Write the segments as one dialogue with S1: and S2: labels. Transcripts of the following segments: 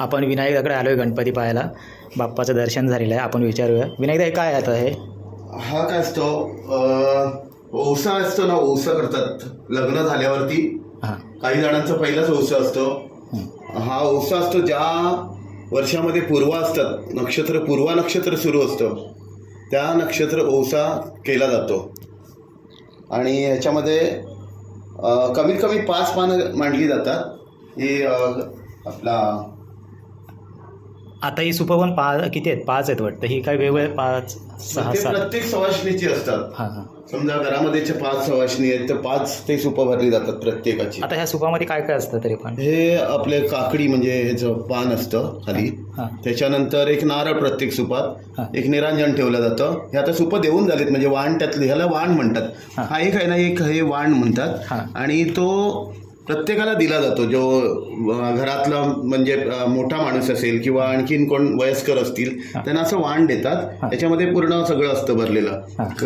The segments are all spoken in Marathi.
S1: आपण विनायककडे आलो आहे गणपती पाहायला. बाप्पाचं दर्शन झालेलं आहे. आपण विचारूया विनायकदा, हे काय आता हे?
S2: हा काय असतो, ओसा असतो ना, ओसा करतात लग्न झाल्यावरती.
S1: हां
S2: काही जणांचा पहिलाच ओसा असतो. हा ओसा असतो ज्या वर्षामध्ये पूर्वा असतात, पूर्वा नक्षत्र सुरू असतं त्या नक्षत्र ओसा केला जातो. आणि ह्याच्यामध्ये कमीत कमी 5 पानं मांडली जातात. ही आपला
S1: आता ही सुपं पण किती आहेत? 5 आहेत वाटतं. ही काय वेगवेगळे 5 6 7?
S2: प्रत्येक सवाष्णीची असतात.
S1: हां हां.
S2: समजा घरामध्ये 5 सवाष्णी आहेत तर 5 ते सुपं भरली जातात प्रत्येकाची.
S1: आता ह्या सुपामध्ये काय काय असतं तरी पण?
S2: हे आपले काकडी म्हणजे ह्याचं पान असतं खाली. त्याच्यानंतर एक नारळ प्रत्येक सुपात, एक निरांजन ठेवलं जातं. हे आता सुपं देऊन झालेत म्हणजे वाण, त्यातलं ह्याला वाण म्हणतात. हा एक आहे ना, एक हे वाण म्हणतात. आणि तो प्रत्येकाला दिला जातो जो घरातला म्हणजे मोठा माणूस असेल किंवा आणखीन कोण वयस्कर असतील त्यांना असं वाण देतात. त्याच्यामध्ये पूर्ण सगळं असतं भरलेलं.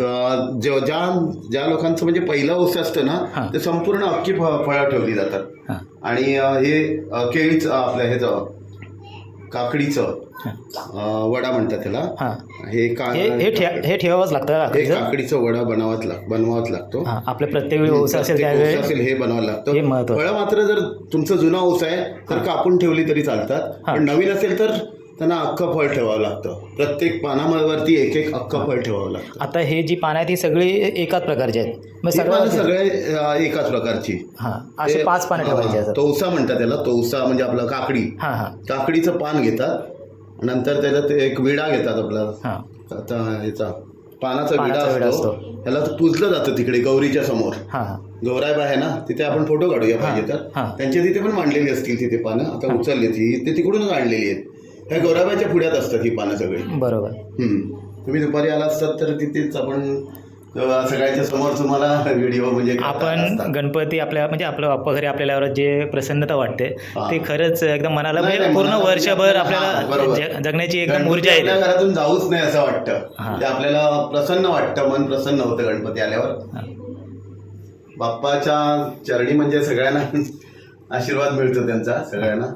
S2: ज्या लोकांचं म्हणजे पहिलं ओस असतं ना, ते संपूर्ण अख्खी फळं ठेवली जातात. आणि हे केळीचं आपल्या ह्याचं काकडीचं वडा म्हणतात त्याला.
S1: हे ठेवावंच लागतं.
S2: हे काकडीचं वडा बनवावाच लागतो.
S1: आपल्या प्रत्येक वेळी ओस असेल त्यावेळी
S2: हे बनवावं लागतं. फळं मात्र जर तुमचं जुना ओस आहे तर कापून ठेवली तरी चालतात, पण नवीन असेल तर त्यांना अख्खं फळ ठेवावं लागतं. प्रत्येक पानावरती एक अख्खं फळ ठेवावं लागतं.
S1: आता हे जी पानं आहेत ही सगळी एकाच प्रकारची आहेत?
S2: सगळे एकाच प्रकारची.
S1: असे 5 पानं ठेवायची.
S2: तोसा म्हणतात त्याला. तोसा म्हणजे आपलं काकडी. काकडीचं पान घेतात, नंतर त्याच्यात एक विडा घेतात आपला. आता ह्याचा पानाचा विडा असतो. ह्याला पूजलं जातं तिकडे गौरीच्या समोर. गौराईबा आहे ना, तिथे आपण फोटो काढूया पाहिजे तर. त्यांच्या तिथे पण मांडलेली असतील तिथे पानं. आता उचलली ते तिकडूनच आणलेली आहेत. ह्या गौराबाच्या पुढ्यात असतात ही पानं सगळी.
S1: बरोबर.
S2: तुम्ही दुपारी आला असतात तर तिथेच आपण सगळ्यांच्या समोर तुम्हाला व्हिडिओ म्हणजे
S1: आपण गणपती आपल्या म्हणजे आपलं बाप्पा घरी आपल्याला जे प्रसन्नता वाटते ते खरंच एकदम मनाला पूर्ण वर्षभर आपल्याला जगण्याची एकदम ऊर्जा आहे.
S2: आपल्या घरातून जाऊच नाही असं वाटतं. म्हणजे आपल्याला प्रसन्न वाटतं, मन प्रसन्न होतं गणपती आल्यावर. बाप्पाच्या चरणी म्हणजे सगळ्यांना आशीर्वाद मिळतो त्यांचा सगळ्यांना.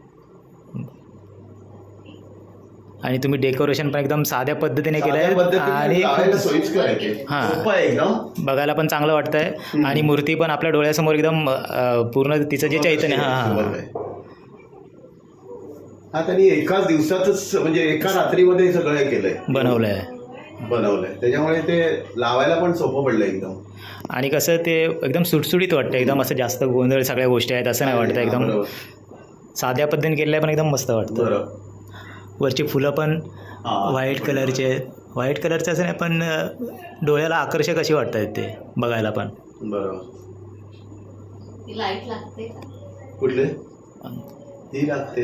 S2: आणि
S1: तुम्ही डेकोरेशन पण एकदम साध्या पद्धतीने केलंय आणि
S2: एकदम
S1: बघायला पण चांगलं वाटतंय. आणि मूर्ती पण आपल्या डोळ्यासमोर एकदम पूर्ण तिचं जे चैतन्य.
S2: त्यांनी एकाच दिवसातच म्हणजे एका रात्रीमध्ये सगळं हे केलंय, बनवलंय. त्याच्यामुळे ते लावायला पण सोपं पडलं एकदम.
S1: आणि कसं ते एकदम सुटसुटीत वाटतं. एकदम असं जास्त गोंधळ सगळ्या गोष्टी आहेत असं नाही वाटतं. एकदम साध्या पद्धतीने केलेलं पण एकदम मस्त वाटतं. वरची फुलं पण व्हाईट कलरचे असं नाही, पण डोळ्याला आकर्षक अशी वाटतात ते बघायला पण.
S2: बरोबर. कुठले? ही लागते.